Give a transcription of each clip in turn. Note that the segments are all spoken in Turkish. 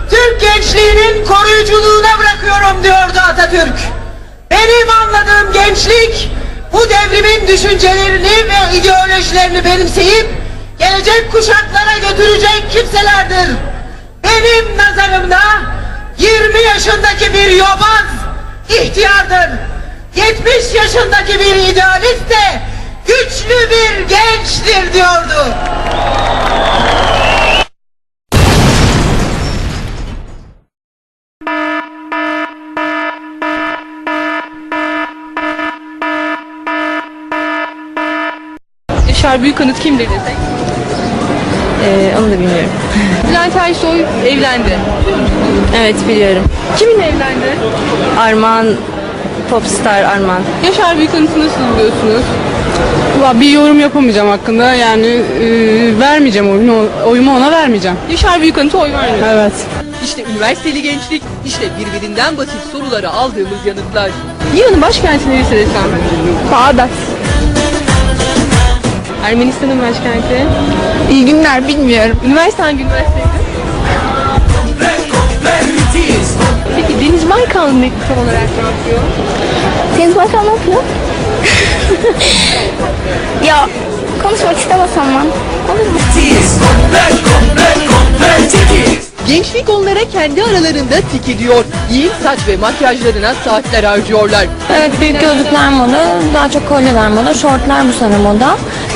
Türk gençliğinin koruyuculuğuna bırakıyorum diyordu Atatürk. Benim anladığım gençlik, bu devrimin düşüncelerini ve ideolojilerini benimseyip gelecek kuşaklara götürecek kimselerdir. Benim nazarımda 20 yaşındaki bir yobaz ihtiyardır. 70 yaşındaki bir idealist de güçlü bir gençtir diyordu. Yaşar Büyükanıt kimdir desek? Onu da bilmiyorum. Bülent Ersoy evlendi. Evet biliyorum. Kiminle evlendi? Armağan, popstar Armağan. Yaşar Büyükanıt'ı nasıl buluyorsunuz? Bir yorum yapamayacağım hakkında. Yani vermeyeceğim oyumu ona vermeyeceğim. Yaşar Büyükanıt'a oy vermiyor. Evet. İşte üniversiteli gençlik, işte birbirinden basit sorulara aldığımız yanıtlar. İran'ın başkenti neresi desem? Bağdat. Ermenistan'ın başkenti. İyi günler bilmiyorum. Üniversite hangi üniversiteydi? Peki Deniz Baykal ne tam olarak ne yapıyor? Deniz Baykal ne yapıyor? Ya konuşmak istemesem ben. Olur mu? Gençlik onlara kendi aralarında tik ediyor. Giyim, saç ve makyajlarına saatler harcıyorlar. Evet büyük gözlükler moda, daha çok kolyeler moda, şortlar bu sene moda.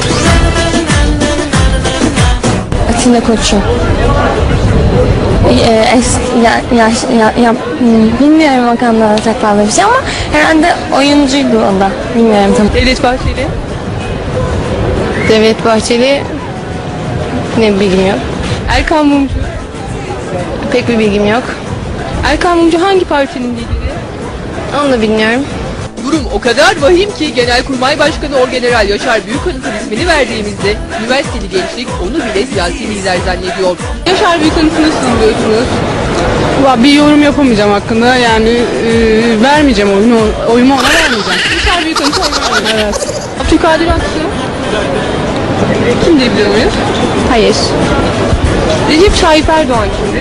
Atilla Koçu. Bilmiyorum o konuda çok fazla bir şey ama herhalde oyuncuydu o da. Bilmiyorum tam. Devlet Bahçeli. Devlet Bahçeli ne bilgim yok. Erkan Mumcu. Pek bir bilgim yok. Erkan Mumcu hangi partinin lideri? Onu da bilmiyorum. Durum o kadar vahim ki Genelkurmay Başkanı Orgeneral Yaşar Büyükanıt'ın ismini verdiğimizde üniversiteli gençlik onu bile siyasi lider zannediyor. Yaşar Büyükanıt'ı nasıl buluyorsunuz? Bir yorum yapamayacağım hakkında. Yani vermeyeceğim oyumu ona vermeyeceğim. Yaşar Büyükanıt'a oy vermiyor. Evet. Abdülkadir Aksu. Kimdir biliyor muyuz? Hayır. Recep Tayyip Erdoğan kimdir?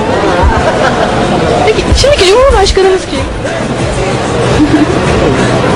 Peki şimdiki Cumhurbaşkanımız kim?